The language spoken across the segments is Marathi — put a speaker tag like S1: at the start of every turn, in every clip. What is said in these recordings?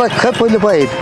S1: मला खपवले पाहिजे.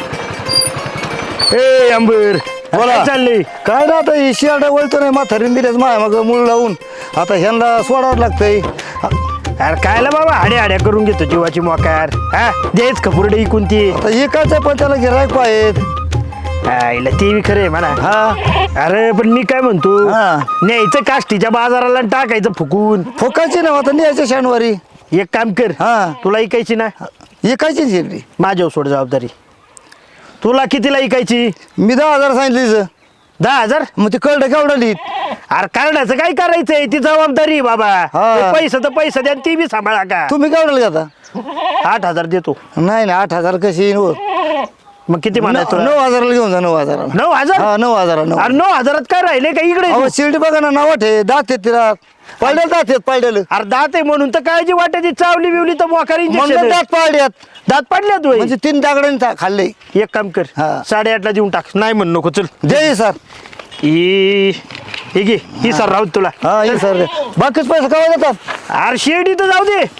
S2: ए अंबर
S1: बोला.
S2: काय चाललंय?
S1: काय ना आता ही शियाडा वळतो नाही म्हातारीन दिल्याच माया मग मूळ लावून आता ह्यांना सोडावं लागतंय.
S2: अरे कायला बाबा हाड्या हाड्या करून घेतो जीवाची मोकार. हा देच खपुरडे इकून ती.
S1: आता एकाच पण त्याला गिरायक पाहिजेत.
S2: आईला ते बी खरंय म्हणा.
S1: हा
S2: अरे पण मी काय म्हणतो,
S1: हा.
S2: न्यायचं काष्टीच्या बाजाराला आणि टाकायचं फुकून.
S1: फुकायची ना आता न्यायच्या शनिवारी.
S2: एक काम कर,
S1: हा.
S2: तुला इकायची ना,
S1: एकाची शिरडी
S2: माझ्यावर सोड जबाबदारी. तुला कितीला इकायची?
S1: मी 10,000 सांगितली.
S2: 10,000?
S1: मग ते कळलं केवढं लिहित.
S2: अरे करण्याचं काय करायचंय, ती जबाबदारी आहे बाबा.
S1: हा.
S2: ते पैसे तर पैसे द्या, ती बी सांभाळा का.
S1: तुम्ही केवढं घेता?
S2: 8,000 देतो.
S1: नाही ना 8,000 कशी येईन हो?
S2: मग किती म्हणायचं?
S1: 9,000 घेऊन जा. 9,000.
S2: 9,000?
S1: हा 9,000.
S2: अरे 9,000 काय राहिले का इकडे?
S1: अहो शिर्डी बघा ना नावाट आहे. दात आहेत तिला पाड्याला दात आहेत पाड्याला.
S2: अरे दात आहे म्हणून तर काळजी वाटायची. चावली बिवली तर मोकार
S1: म्हणलं
S2: इंजेक्शन.
S1: दात पाड्यात
S2: दात पडल्या तू.
S1: म्हणजे 3 दागडांनी खाल्ले.
S2: एक काम कर,
S1: हा.
S2: 8:30ला देऊन टाक. नाही म्हणू नको. चल
S1: जय सर.
S2: ही घे, ही सर राहू तुला.
S1: हा ये सर. बाकीच पैसे केव्हा देतात?
S2: अरे शिर्डी तर जाऊ दे,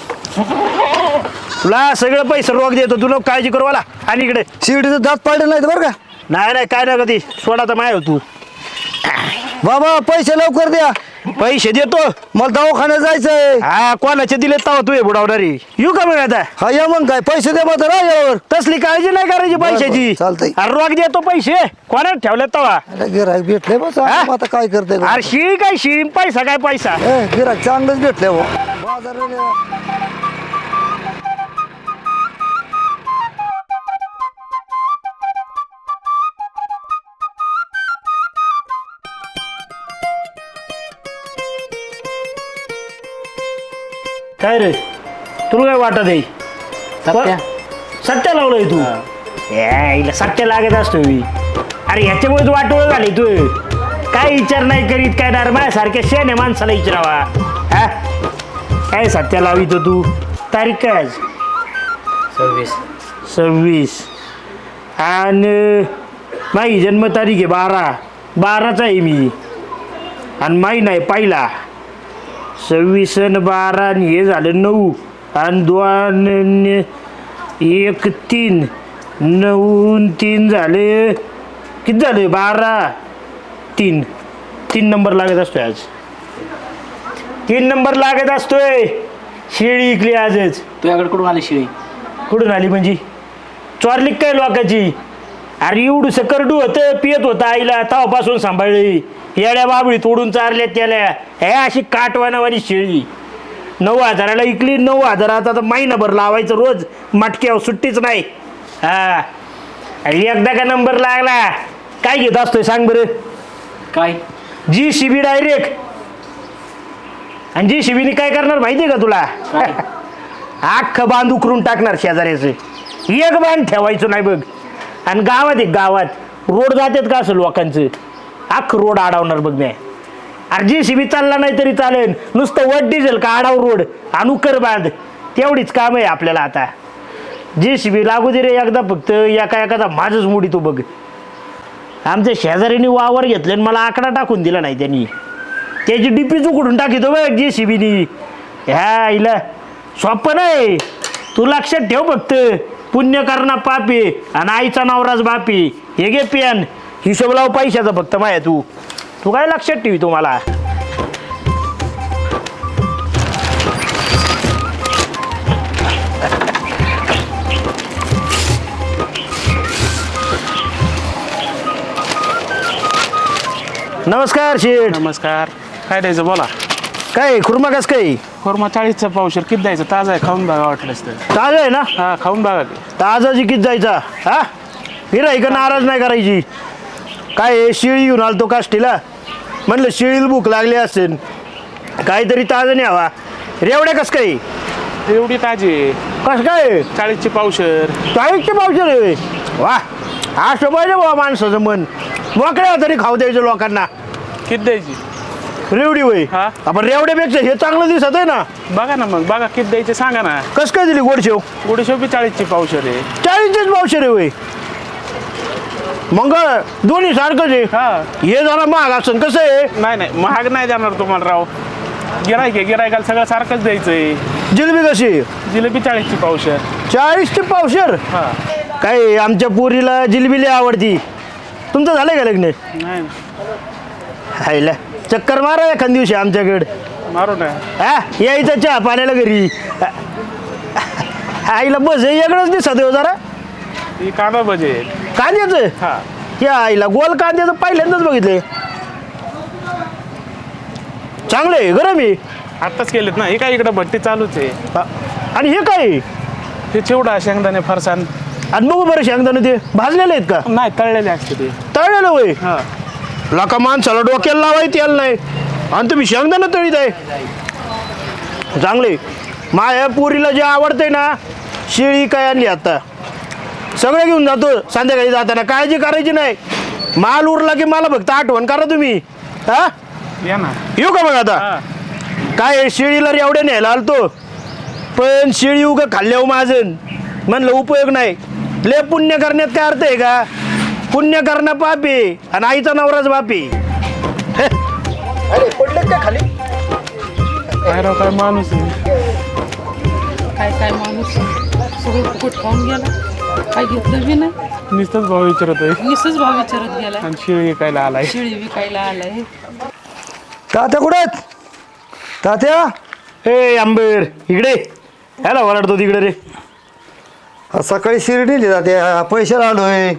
S2: तुला सगळं पैसे रोख देतो. तुला काळजी करू मला. आणि इकडे
S1: शिर्डीचं दात पाडलं नाही बरं का
S2: नाही काय ना कधी सोडा तर माय तू.
S1: बाबा. पैसे लवकर द्या.
S2: पैसे देतो.
S1: मला दवाखान्यात जायचंय.
S2: हा कोणाचे दिले तवा तू हे बुडावणारी. येऊ का मग आता?
S1: हा या मग काय पैसे द्या मग यावर.
S2: तसली काळजी नाही करायची पैशाची.
S1: बरं, चालतंय.
S2: अरे रोख देतो पैसे. कोणाला ठेवले तवा?
S1: गिराक भेटले बस.
S2: हा?
S1: आता काय करते
S2: अरे शिळी काय शिळी, पैसा काय पैसा.
S1: गिराक चांगलंच भेटले हो बाजाराला.
S2: काय रे तुला काय वाटत आहे?
S3: सत्या.
S2: सत्या लावलंय तू? हिला सत्या लागत असतो मी. अरे ह्याच्यामुळेच वाटोळ झाली तू. काय विचार नाही करीत काय ना माझ्यासारख्या शेण्या माणसाला विचारावा. हा काय सत्या लावितो तू? तारीख काय आज? 26. आणि माझी जन्मतारीख आहे 12चा आहे मी. आणि माही नाही पहिला 26 आणि 12 आणि हे झालं 9 आणि 2 आणि 1 3 9 आणि 3 झाले. किती झाले? 12 3 नंबर लागत असतोय आज. 3 नंबर लागत असतोय. शेळी इकली आजच.
S3: तुझ्याकडे कुठून आली शिळी?
S2: कुठून आली म्हणजे? चोरली काय लोकांची? अरे एवढं करडू होतं, पियत होतं आईला, तवापासून सांभाळली. येड्या बाबळी तोडून चारल्या त्याला. हे अशी काटवानावानी शेळी 9,000ला इकली. 9,000 आता महिनाभर लावायचं रोज. मटक्यावर सुट्टीच नाही. हा आणि एकदा का नंबर लागला काय घेत असतोय सांग बरं?
S3: काय?
S2: JCB direct. आणि JCBने काय करणार माहिती आहे का तुला?
S3: काय?
S2: अख्खं बांध उकरून टाकणार शेजाऱ्याचं. एक बांध ठेवायचं नाही बघ. आणि गावात रोड जातात का असं लोकांचं, अख्खं रोड अडवणार बघ. नाही अरे JCB चालला नाही तरी चालेल, नुसतं वट डिझेल का अडाव रोड आणि उकर बांध. तेवढीच काम आहे आपल्याला आता. JCB लागू दे रे एकदा फक्त. एखादा माझंच मोडी तो बघ. आमच्या शेजाऱ्यांनी वावर घेतले आणि मला आकडा टाकून दिला नाही त्यांनी. त्याची DP उकडून टाकितो बघ JCBनी. ह्या हिला सोपं नाही. तू लक्षात ठेव फक्त. पुण्य करणा पापी आणि आईचा नवराच बापी. हे घे पेन, हिशोब लाव पैशाचा फक्त माया. तू काय लक्षात ठेवी तुम्हाला? नमस्कार शेठ.
S4: नमस्कार. काय द्यायचं बोला.
S2: काय खुर्मा कस काय?
S4: कोरमा 40चं पावशेर. किती द्यायचं? ताजा आहे, खाऊन बघा वाटलंच तर.
S2: ताजा आहे ना?
S4: हा खाऊन बघा की.
S2: ताजाची किती जायचा? हा गिऱ्हाईक नाराज नाही करायची. काय आहे, शिळी घेऊन आलतो काष्टीला. म्हणलं शिळीला भूक लागली असेल, काहीतरी ताजा न्यावा. रेवड्या कस काय?
S4: एवढी ताजी आहे.
S2: कस काय?
S4: 40ची पावशेर.
S2: 40चे पावशेर आहे? वा असं पाहिजे बाबा माणसाचं मन. मोकळ्या तरी खाऊ द्यायचं लोकांना.
S4: किती द्यायची?
S2: रेवडी होय?
S4: हा.
S2: आपण रेवड्यापेक्षा हे चांगलं दिसत आहे ना.
S4: बघा ना मग, बघा किती द्यायचे सांगा ना.
S2: कस काय दिली गोडशेव?
S4: गोडीशेव बी 40ची पावशेर आहे.
S2: 40चेच पावशेर आहे होय? मग दोन्ही सारखंच आहे.
S4: हा.
S2: हे जरा महाग असेल. कसं आहे?
S4: नाही महाग नाही देणार तुम्हाला राव. गिरायक आहे, गिरायकाला सगळं सारखंच द्यायचंय.
S2: जिलेबी कशी?
S4: जिलेबी 40ची पावशेर.
S2: 40 चे पावशेर
S4: हा
S2: काय आमच्या पोरीला जिलबिली आवडती. तुमचं झालं का लग्न?
S4: नाही ना.
S2: हायला चक्कर मारा एखाद दिवशी आमच्याकडे.
S4: मारू ना.
S2: हा यायचं चहा पाण्याला घरी. आईला बस हे वेगळंच दिसत हो जरा.
S4: ही कांदा भजे.
S2: कांद्याचं
S4: हा
S2: या आईला गोल कांद्याचं पहिल्यांदाच बघितलंय. चांगलं आहे गरम आहे.
S4: आत्ताच केलेत ना. हे काय इकडं भट्टी चालूच आहे.
S2: आणि हे काय आहे?
S4: हे चिवडा शेंगदाणे फरसाण.
S2: आणि बघू बरं शेंगदाणे ते भाजलेले आहेत का?
S4: नाही तळलेले असते ते.
S2: तळलेलं होय.
S4: हा
S2: लाका माणसाला डोक्याला लावायचं यायला नाही आणि तुम्ही शेंगदाणा तळीत आहे. चांगले. माझ्या पोरीला जे आवडतंय ना शेळी काय आणली आता सगळं घेऊन जातो संध्याकाळी जाताना. काळजी करायची नाही. माल उरला की मला फक्त आठवण करा तुम्ही. हा
S4: या ना.
S2: येऊ का मग आता?
S4: हा
S2: काय शेळीला एवढ्या न्यायला आलतो पण शेळी उगं खाल्ल्यावर माझं म्हणलं उपयोग नाही. ले पुण्य करण्यात काय अर्थ आहे का? पुण्य करणं पाप आहे आणि आईचा नवराच बाप आहे. अरे पडले का खाली?
S4: काय राव काय माणूस आहे.
S5: काय माणूस सगळं फुकट खाऊन गेला. काय घेतलं बी नाही.
S4: नुसतंच भाव विचारत आहे.
S5: निसच भाव विचारत गेला.
S4: आणि शिळी विकायला आलाय.
S5: शेळी विकायला आलाय.
S1: तात्या कुठे आहेत? तात्या
S2: ए आंबेर इकडे ह्याला ओरडतो तिकडे रे.
S1: सकाळी शिर्डी नेली तात्या पैशाला आलोय.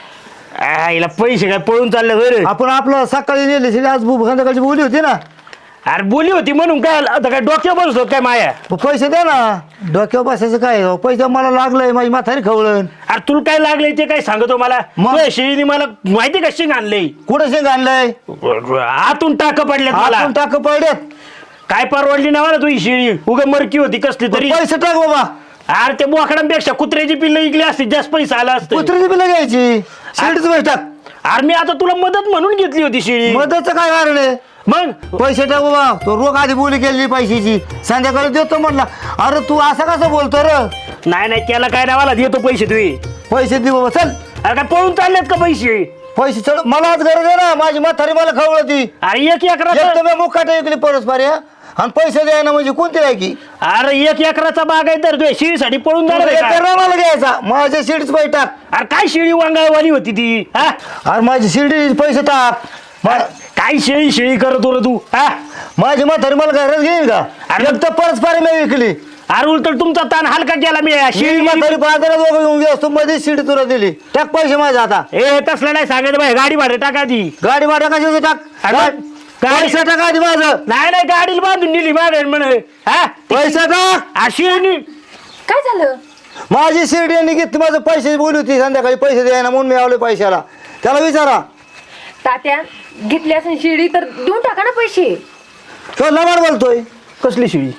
S2: हिला पैसे काय पळून चालले होय रे?
S1: आपण आपलं सकाळी नेली शिर्डी आज संध्याकाळची बोली होती ना.
S2: अरे बोली होती म्हणून काय आता काय डोक्यावर बसतो काय माया?
S1: पैसे द्या ना. डोक्यावर बसायचं काय पैसे मला लागलंय माझी म्हातारी खवळण.
S2: अरे तुला काय लागलंय ते काय सांगतो मला?
S1: मग?
S2: तुझ्या शेळीने मला माहिती का शेंग आणलंय?
S1: कुठं शेंग आणलंय?
S2: आतून टाक पडल्यात मला.
S1: आपण टाक पडल्यात.
S2: काय परवडली ना मला तुझी शेळी? उगा मरकी होती कसली तरी.
S1: पैसे टाक बाबा.
S2: अरे ते बोकडांपेक्षा कुत्र्याची पिल्लं इकली असती जास्त पैसा आला असतं.
S1: कुत्र्याची बिलं घ्यायची. शिर्डीचं पैसे टाक.
S2: अरे मी आता तुला मदत म्हणून घेतली होती शेळी.
S1: मदतचं काय कारण आहे?
S2: मग
S1: पैसे टाक बाबा. तो रोख आधी बोली केली पैशाची संध्याकाळी देतो म्हटला. अरे तू असं कसं बोलतो रे?
S2: नाही नाही त्याला काय नाही मला देतो पैसे तुम्ही.
S1: पैसे दे बाबा चल.
S2: अरे काय पळून चाललेत का पैसे?
S1: पैसे चल. मला आज गरज आहे ना. माझी म्हातारी मला खवळती.
S2: अरे एक एकराचा
S1: एक तर मी मुकाट ऐकली परस्पर या आणि पैसे द्यायला म्हणजे कोणती लायकी?
S2: अरे एक एकराचा बाग आहे तर तुझ्या शेळीसाठी पळून जाणार आहे का?
S1: मला घ्यायचा. माझ्या शिडीच पैसे टाक.
S2: अरे काय शेळी वांगाळवाणी होती ती हा?
S1: अरे माझी शिर्डी पैसे टाक.
S2: काय शेळी शेळी करत होतं तू हा?
S1: माझी म्हातारी मला घरात घेईन का?
S2: अरे-
S1: एक तर परस्पर मी विकली.
S2: अरे उलट तुमचा ताण हलका केला मी
S1: शेळी
S2: शेळी
S1: म्हातारी बाजारात दोघं घेऊन गेलो असतो मध्ये शिडी तुला दिली. टाक पैसे माझे आता.
S2: ए तसलं नाही सांगायचं बाई गाडी भाडे टाका ती.
S1: गाडी भाडं कशाचं टाक?
S2: अरे
S1: टाक.
S2: गाडी-
S1: पैसे टाक आधी माझं.
S2: नाही नाही गाडीला बांधून नेली मागे म्हण हा
S1: पैसे टाक.
S2: शेळी
S6: काय झालं?
S1: माझी शिर्डी यांनी घेतली. माझं पैसे बोलली होती संध्याकाळी पैसे द्यायला म्हणून मी आवले पैशाला. त्याला विचारा.
S6: तात्या घेतली असेल शिडी तर देऊन टाका ना पैसे.
S1: तो लबाड बोलतोय.
S2: कसली शेळी?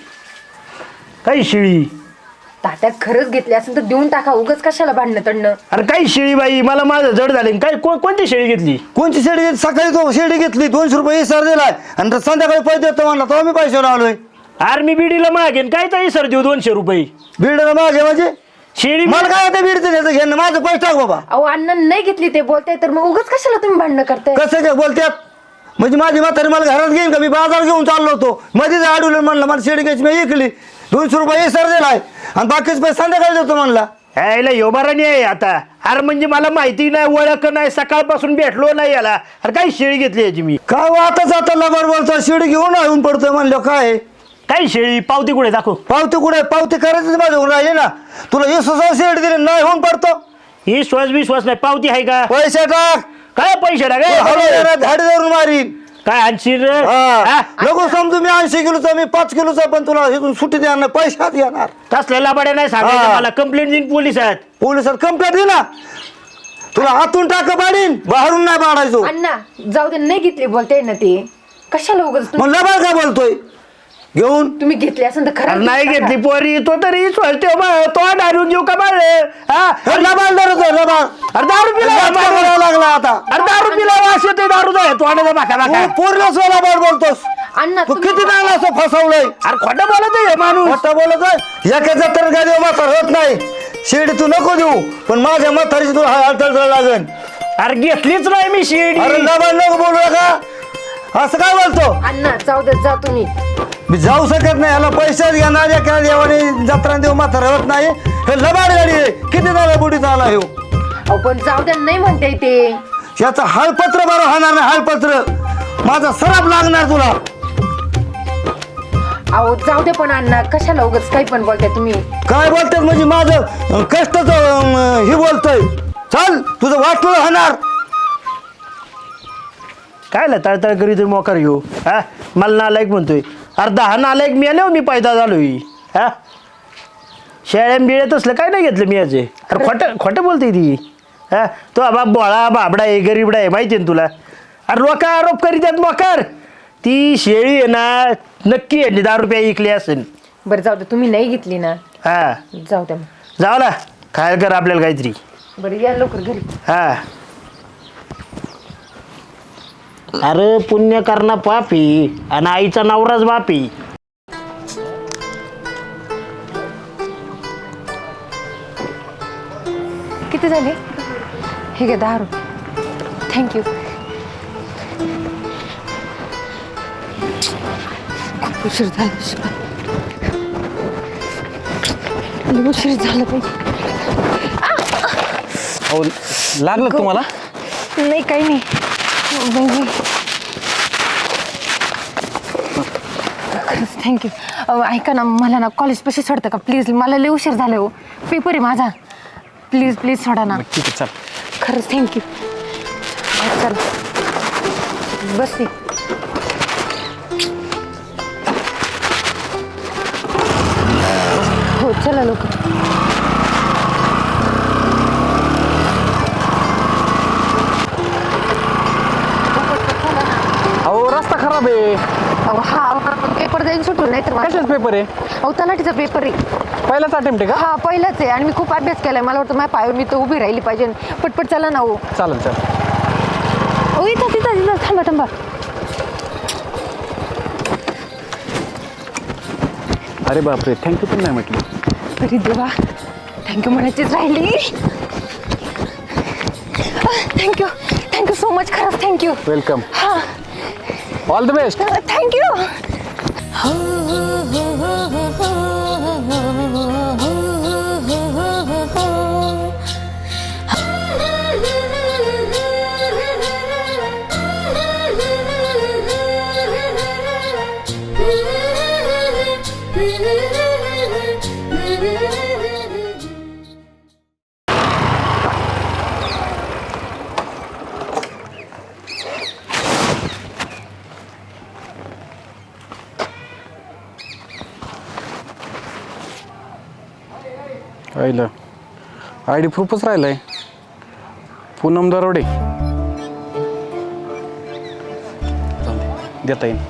S2: काही शेळी?
S6: तात्या खरंच घेतली असेल तर देऊन टाका. उगाच कशाला भांडणं तडणं.
S2: अरे काही शेळी बाई मला माझं जड झाले. काय कोणती शेळी घेतली?
S1: कोणची शिर्डी घेतली? सकाळी तो शिर्डी घेतली 200 रुपये सर दिलाय आणि संध्याकाळी पैसे देतो म्हणला तेव्हा मी पैसे आलोय.
S2: अरे मी बिडीला मागेन काय तरी सर देऊ 200 रुपये.
S1: बीड मागे म्हणजे
S2: शेळी
S1: मला काय आता बीडचं घ्यायचं घेणं माझं पैसे टाक बाबा.
S6: अहो अण्णा नाही घेतली ते बोलताय तर मग उगाच कशाला तुम्ही भांडणं करताय?
S1: कसं काय बोलतात? म्हणजे माझी म्हातारी मला घरात घेईन का? मी बाजार घेऊन चाललो होतो मध्येच अडवलं म्हणलं मला शिर्डी घ्यायची मी ऐकली 200 रुपये सर दिलाय आणि बाकीच पैसे संध्याकाळी देतो म्हणला.
S2: यायला योबारानी आहे आता. अरे म्हणजे मला माहिती नाही ओळख नाही सकाळपासून भेटलो नाही याला. अरे काही शेळी घेतली याची मी.
S1: काय वाटच आता लबाड बोलतो. शिर्डी घेऊन येऊन पडतोय म्हणलं काय?
S2: काही शेळी पावती कुठे दाखव.
S1: पावती कुठे? पावती करायचीच माझ्या होऊन राहिली ना. तुला 20,000 शिर्डी दिली नाही होऊन पडतो.
S2: ही विश्वास नाही पावती आहे का?
S1: पैसे टाक.
S2: काय पैसे
S1: हळू झाडी धरून मारीन.
S2: काय आणशील रे?
S1: हा.
S2: हा?
S1: नको समजू मी 80 किलोचा मी 5 किलोचा पण तुला इथून सुट्टी देणार नाही. पैशात येणार.
S2: तसलेला बड्या नाही सांगायचं
S1: हा.
S2: मला. कंप्लेंट देईन पोलिसात.
S1: पोलिसात कंप्लेंट दे ना. तुला आतून टाक पाडीन बाहेरून नाही पाडायचो.
S6: अण्णा जाऊ दे नाही घेतली बोलताय ना ते. कशाला उगाच
S1: मग लबाड का बोलतोय? घेऊन
S6: तुम्ही घेतली असेल तर
S2: अरे
S6: खरं
S2: नाही घेतली पोरी तो तरी तो दारू घेऊ का बाळ हा?
S1: हे लबाड धरतोय लबाड.
S2: अरे दारू पिला
S1: करावा लागला आता.
S2: अरे दारू पिला वास येतोय दारू जाय तोंडाचा बाका बाका.
S1: तू पूर्ण लबाड बोलतोस.
S6: अण्णा
S1: तू
S6: तुम्ही-
S1: किती चांगला असं फसवलंय.
S2: अरे खोटं बोलत आहे हे माणूस.
S1: मोठा बोलत आहे. एकाचा तर गाडी म्हातार होत नाही. शिर्डी तू नको देऊ पण माझ्या म्हातारीची तुला हालचाल लागेल.
S2: अरे घेतलीच नाही मी शेळी.
S1: अरे लबाड नको बोलू नका. असं काय बोलतो?
S6: अण्णा जाऊ दे जा तुम्ही.
S1: मी जाऊ शकत नाही. याला पैसेच घेणार एका देवाने जत्रा देऊ म्हातारा होत नाही. हे लबाड गाडी आहे. किती झाला बुडीचा आला ह्यो.
S6: अहो पण जाऊ द्या, नाही म्हणते ते.
S1: याचं हालपत्र बरं होणार नाही. हालपत्र माझा सराप लागणार तुला.
S6: अहो जाऊ दे पण अण्णा, कशाला उगाच काही पण बोलताय तुम्ही.
S1: काय बोलतात म्हणजे माझं कष्टाच हे बोलतोय. चल तुझं वाटलं होणार.
S2: काय तळतळ करीत मोकार घेऊ हा. मला नालायक म्हणतोय. अर्धा हा नालायक मी आलो, मी पैदा झालोय हा. शेळ्या बिळ्यात असलं काय नाही घेतलं मी याचे. अरे खोटं खोटं बोलते ती हा. तो बाप बोळा बाबडा आहे, गरीबडा आहे, माहिती आहे ना तुला. अरे लोक आरोप करीत आहेत मोकार. ती शेळी आहे ना, नक्की आहे 10 रुपये इकली असेल.
S6: बरं जाऊ दे, तुम्ही नाही घेतली ना,
S2: हा
S6: जाऊ द्या मग.
S2: जाऊ ना, खायला कर आपल्याला काहीतरी.
S6: बरं या लवकर घरी.
S2: हा. अरे पुण्य करणं पापी आणि आईचा नवराच बापी.
S6: किती झाले? हे घ्या 10 रुपये. थँक्यू. खूप उशीर झाला. उशीर झाला पाहिजे.
S7: हो लागलं तुम्हाला?
S6: नाही काही नाही. खरंच थँक्यू. ऐका ना, मला ना कॉलेजपाशी सोडतं का प्लीज? मला लय उशीर झाला हो. पेपर आहे माझा. प्लीज प्लीज सोडा ना.
S7: ठीक आहे चल.
S6: खरंच थँक्यू. चल बस ती. हो चला लोक.
S7: अहो रस्ता खराब आहे.
S6: अहो हा पेपर जाईन सुटून, नाही तर
S7: कशाच पेपर आहे?
S6: अहो तलाठीचा पेपर आहे.
S7: पहिलाच अटेम्प्ट आहे का?
S6: हा पहिलाच आहे आणि मी खूप अभ्यास केलाय. मला वाटतं माझ्या पायावर मी तर उभी राहिली पाहिजे. पटपट चला ना. हो
S7: चालेल चालेल.
S6: ओ इथं तिथं तिथं थांबा थांबा.
S7: अरे बापरे, थँक्यू पण नाही म्हटली.
S6: अरे देवा, थँक्यू म्हणायचीच राहिली. Thank you thank you so much. खरंच थँक्यू.
S7: वेलकम.
S6: हा
S7: ऑल द बेस्ट.
S6: थँक्यू.
S7: राहिलं आय डी प्रूफच राहिलंय. पूनम दरोडे. देता येईल.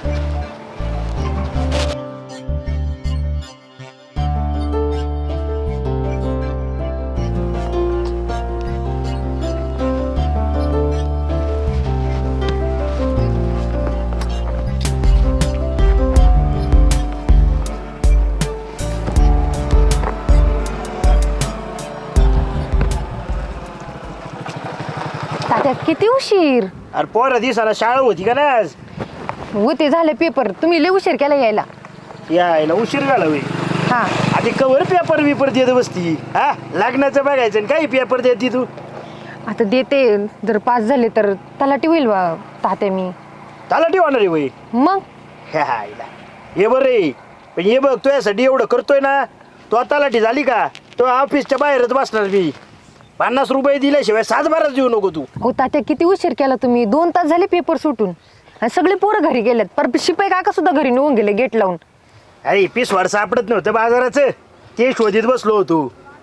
S6: तात्या किती उशीर
S2: अरे पोरं दिसायला शाळा होती का ना आज?
S6: होते झाले पेपर. तुम्ही लय उशीर केला यायला.
S2: यायला उशीर झाला होय.
S6: हा
S2: आधी कवर पेपर बिपर देत बसती हा. लग्नाचं बघायचं आणि काही पेपर देती तू.
S6: आता देते. जर पास झाले तर तलाठी होईल बा तात्या मी.
S2: तलाठी होणार आहे वय.
S6: मग
S2: हे बरं रे. पण हे बघ तुझ्यासाठी एवढं करतोय ना, तो तलाठी झाली का तो ऑफिसच्या बाहेरच बसणार. मी 50 रुपये दिल्याशिवाय 7-12 देऊ नको तू.
S6: हो तात्या किती उशीर केला तुम्ही. 2 तास झाले पेपर सुटून आणि सगळे पोरं घरी गेलेत. पर शिपाई काका सुद्धा घरी निघून गेले गेट लावून.
S2: अरे पिसवाड सापडत नव्हतं बाजाराचं, ते शोधित बसलो होतो.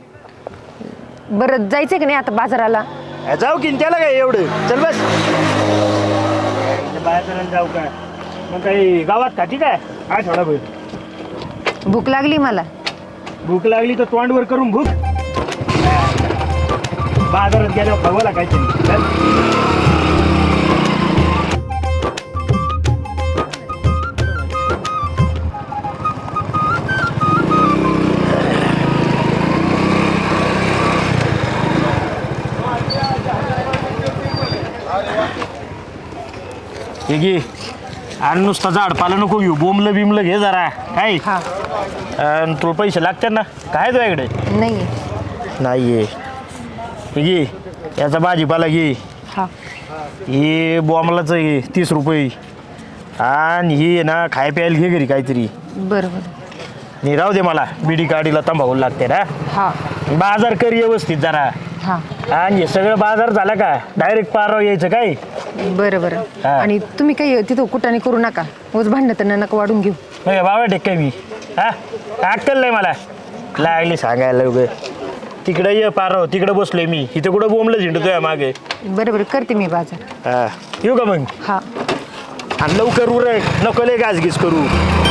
S6: बरं जायचंय की नाही आता बाजाराला?
S2: जाऊ की त्याला काय एवढं. चल बस बाजाराला जाऊ का मग. काही गावात खाती काय आठवडाभर?
S6: भूक लागली मला.
S2: भूक लागली तर तोंडवर करून भूक. बाजारात गेल्यावर खावाला काहीतरी. चल. हे घे आणि नुसतं झाड पाला नको घेऊ. बोंबलं बिमलं घे जरा काय. आणि तुला पैसे लागतात ना काय तुझ्याकडे
S6: नाही
S2: नाही आहे घे याचा भाजीपाला घे
S6: हा
S2: हे बॉम्बलाचं घे 30 रुपये आणि ही आहे ना खाय प्यायला घे घरी काहीतरी
S6: बरोबर
S2: नाही राहू दे मला बिडी काढीला तंबाखू लागते ना
S6: हा
S2: बाजार कर व्यवस्थित जरा
S6: हा
S2: आणि हे सगळं बाजार झाला का डायरेक्ट पाराव यायचं काय
S6: बरं बरं
S2: हा.
S6: आणि तुम्ही काही तिथं कुठाने करू नका उच भांडणं तर नका वाढून घेऊ
S2: मग बाबा टेक काय मी हा अक्कल नाही मला लागली सांगायला उगं तिकडे ये पाराव तिकडे बसलोय मी इथं कुठं बोंबलं झिंडतोय मागे
S6: बरं बरं करते मी बाजार
S2: हा येऊ का मग
S6: हा
S2: आणि लवकर उरक नको लय गाजगीज करू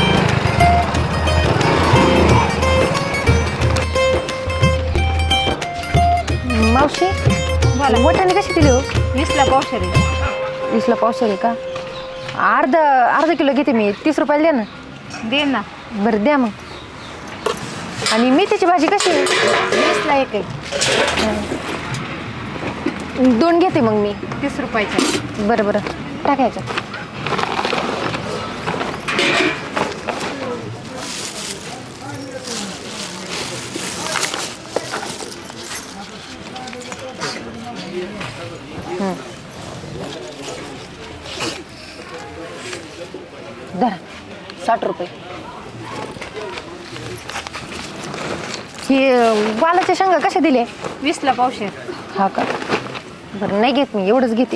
S6: मावशी मोठ्याने कशी दिली हो
S5: 20ला पावशेर आहे.
S6: 20ला पावशेर आहे का अर्धा किलो घेते मी 30 रुपयाला द्या ना
S5: दे ना.
S6: बरं द्या मग आणि मेथीची भाजी कशी आहे
S5: 20ला एक आहे.
S6: 2 घेते मग मी
S5: 30 रुपयाचा.
S6: बरं बरं टाकायचं धरा 60 रुपये हे वालाच्या शेंगा कशा दिले
S5: 20ला पावशेर.
S6: हा का बरं नाही घेत मी एवढंच घेते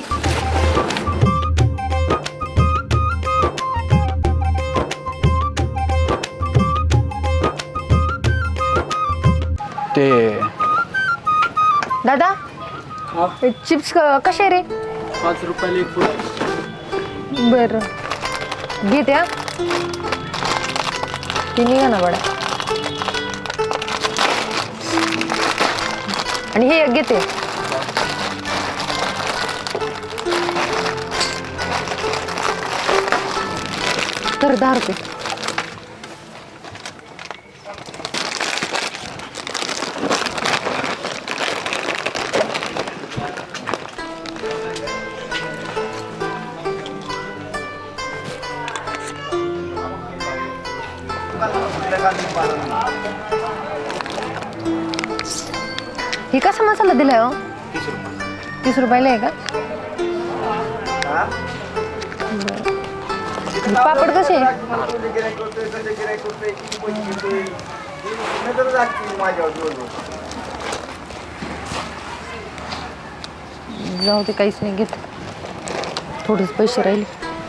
S7: ते
S6: दादा चिप्स कसे रे
S3: 5 रुपयाला एक फुल.
S6: बरं घेते हा ते निघा ना बडा आणि हे एक घेते तर 10 रुपये हे कसा मसाला दिलाय हो 30 रुपयाला आहे का बरं. पापड कसे जाऊ ते काहीच नाही घेत थोडेच पैसे राहिले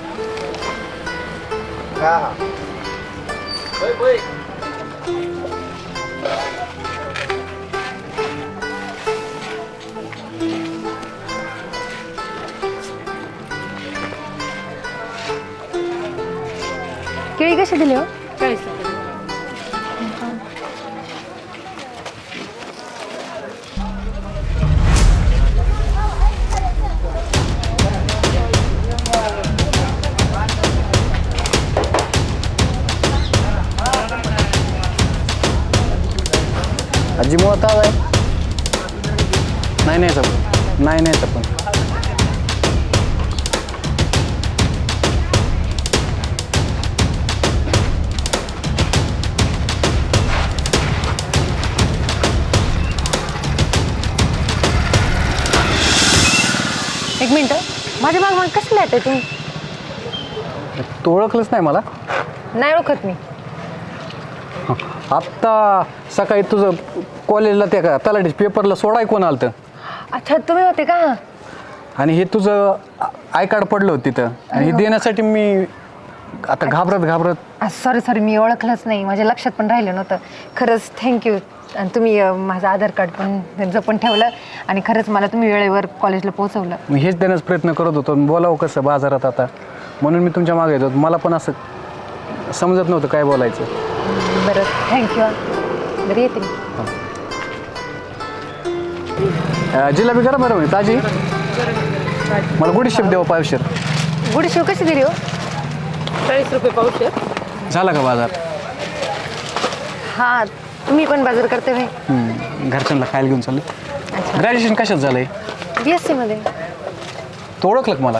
S6: केळी कशी दिली हो
S5: 40 रुपये.
S7: आजी मुळात ताज आहे नाही पण नाही पण
S6: एक मिनिट माझ्या माग कसं लिहायचं तुम्ही
S7: तू ओळखलंच नाही मला
S6: नाही ओळखत मी
S7: आत्ता सकाळी तुझं कॉलेजला त्या का तलाठी पेपरला सोडाय कोण आलं
S6: अच्छा तुम्ही होते का
S7: आणि हे तुझं आय कार्ड पडलं होतं तिथं आणि हे देण्यासाठी मी आता घाबरत
S6: सॉरी मी ओळखलंच नाही माझ्या लक्षात पण राहिलं नव्हतं खरंच थँक्यू आणि तुम्ही माझं आधार कार्ड पण जपून ठेवलं आणि खरंच मला तुम्ही वेळेवर कॉलेजला पोहोचवलं
S7: मी हेच देण्याचा प्रयत्न करत होतो बोलावं कसं बाजारात आता म्हणून मी तुमच्या मागे येतो मला पण असं समजत नव्हतं काय बोलायचं
S6: बरं थँक्यू बरं येते मी
S7: जिलेबी करा बरं मी ताजी मला गुडीशेप देवा पावशेर
S6: गुडीशेव कशी दिली हो
S5: 40 रुपये पावशेर.
S7: झाला का बाजार
S6: हां तुम्ही पण बाजार करते भाई
S7: घरच्यांना खायला घेऊन चाललं ग्रॅज्युएशन कशात झालंय
S6: BSc मध्ये
S7: तो ओळखलं का मला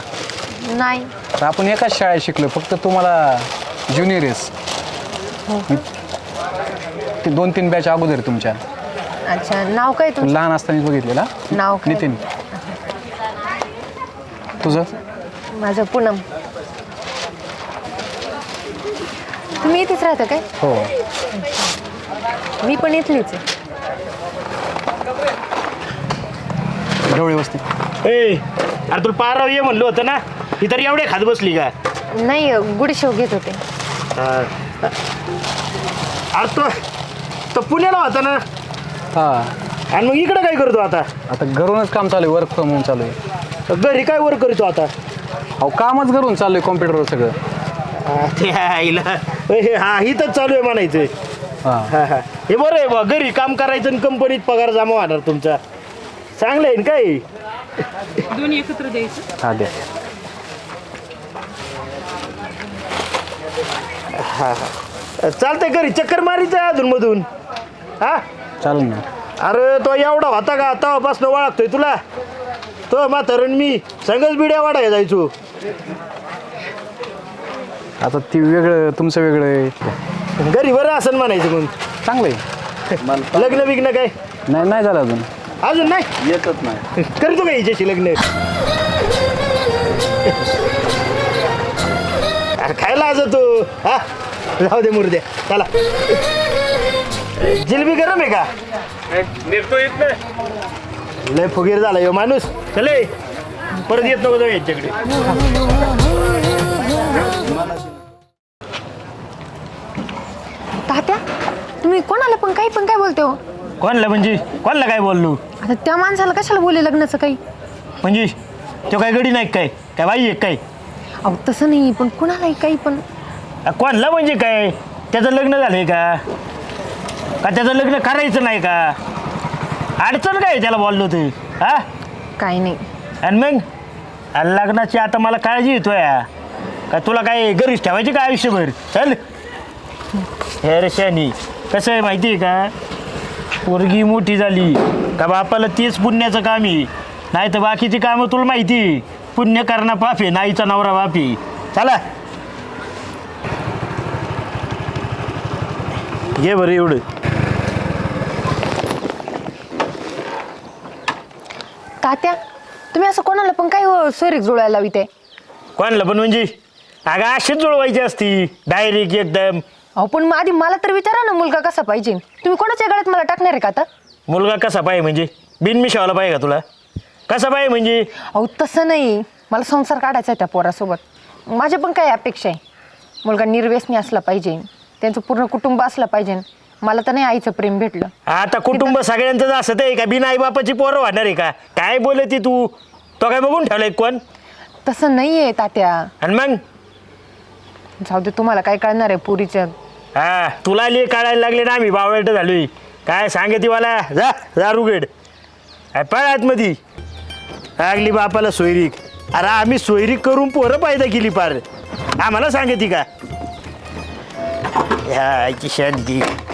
S6: नाही
S7: तर आपण एकाच शाळेत शिकलो फक्त तू मला ज्युनियर आहेस 2-3 बॅच अगोदर आहे तुमच्या.
S6: अच्छा, नाव काय तुमचं?
S7: लहान असतानाच बघितलेला.
S6: नाव काय?
S7: नितीन. तुझं?
S6: माझं पूनम. तुम्ही इथेच राहता काय?
S7: हो.
S6: मी पण इथलीच आहे.
S7: ढवळी वस्ती.
S2: ए अरे तुला पाराव ये म्हणलं होतं ना, ही तर एवढे खात बसली का?
S6: नाही, गुडशेव घेत होते.
S2: अरे तो पुण्याला होता ना,
S7: हां.
S2: आणि मग इकडं काय करतो आता?
S7: आता घरूनच काम चालू आहे, वर्क फ्रॉम होम चालू आहे.
S2: घरी काय वर्क करतो आता?
S7: अहो कामच घरून चालू आहे, कॉम्प्युटरवर सगळं.
S2: ते आईला हा इथंच चालू आहे म्हणायचं.
S7: हां.
S2: हा हे बरं आहे बा, घरी काम करायचं आणि कंपनीत पगार जमा होणार तुमचा. चांगलं आहे ना काय?
S5: दोन्ही एकत्र द्यायचं.
S7: हां द्या.
S2: चालतंय, घरी चक्कर मारीचं अधूनमधून. हा
S7: चालेल ना.
S2: अरे तो एवढा होता का तेव्हापासून ओळखतोय तुला. तो म्हातारण मी संगच बिड्या वाढायला जायचो.
S7: आता ती वेगळं, तुमचं वेगळं आहे.
S2: घरी बरं असं म्हणायचं मग.
S7: चांगलं आहे.
S2: लग्न बिग्न काय
S7: नाही झालं अजून.
S2: अजून नाही?
S7: येतच नाही.
S2: करतो का हिच्याशी लग्न? अरे खायला आज तू. हा जाऊ दे मुर्द्या. चला, जिलेबी गरम आहे का?
S4: निघतो येत नाही.
S2: लय फुगीर झाला ह्यो माणूस. चले परत येत नको जाऊ यांच्याकडे.
S6: तात्या, तुम्ही कोणाला पण काही पण काय बोलते हो?
S2: कोणला म्हणजे कोणला काय बोललो?
S6: आता त्या माणसाला कशाला बोलले लग्नाचं काही?
S2: म्हणजे तो काय गडी नाही काय काय बाई आहे काय?
S6: अहो तसं नाही, पण कुणालाही काही पण.
S2: कोणला म्हणजे काय? त्याचं लग्न झालंय का त्याचं लग्न करायचं नाही का? अडचण काय त्याला बोललो तू? हा
S6: काही नाही.
S2: आणि मग लग्नाची आता मला काळजी येतोय का? तुला काय घरीच ठेवायची का आयुष्यभर? चल हे रे शानी, कसं आहे माहिती आहे का? पोरगी मोठी झाली का बापाला तेच पुण्याचं काम आहे, नाही तर बाकीची कामं तुला माहिती आहे. पुण्य करणं पाप आहे, नाहीचा नवरा बाप आहे. चला घे बरं एवढं.
S6: तात्या, तुम्ही असं कोणाला पण काय सोयरीक जुळायला लाविते?
S2: कोणाला पण म्हणजे? अगं अशीच जुळवायची असती डायरेक्ट एकदम.
S6: अहो पण मग आधी मला तर विचारा ना, मुलगा कसा पाहिजे? तुम्ही कोणाच्या गळ्यात मला टाकणार आहे का आता?
S2: मुलगा कसा पाहिजे म्हणजे? बिनमिशावाला पाहिजे का तुला? कसा पाहिजे म्हणजे?
S6: अहो तसं नाही, मला संसार काढायचा आहे त्या पोरासोबत. माझ्या पण काही अपेक्षा आहे. मुलगा निर्व्यसनी असला पाहिजे, त्यांचं पूर्ण कुटुंब असलं पाहिजे. मला तर नाही आईचं प्रेम भेटलं.
S2: आता कुटुंब सगळ्यांचंच असत आहे का? बिन आई बापाची पोरं वाढणार आहे का? काय बोलती तू? तो काय बघून ठेवलाय कोण?
S6: तसं नाही आहे तात्या.
S2: आणि मग
S6: जाऊ दे, तुम्हाला काय कळणार आहे पुरीच्या.
S2: हा तुला ले काढायला लागले ना, आम्ही बावळट झालोय. काय सांगते मला? जा जा रुगेड पळात मधी लागली बापाला सोयरीक. अरे आम्ही सोयरीक करून पोरं पायदा केली पार, आम्हाला सांगते का? ह्या शांती.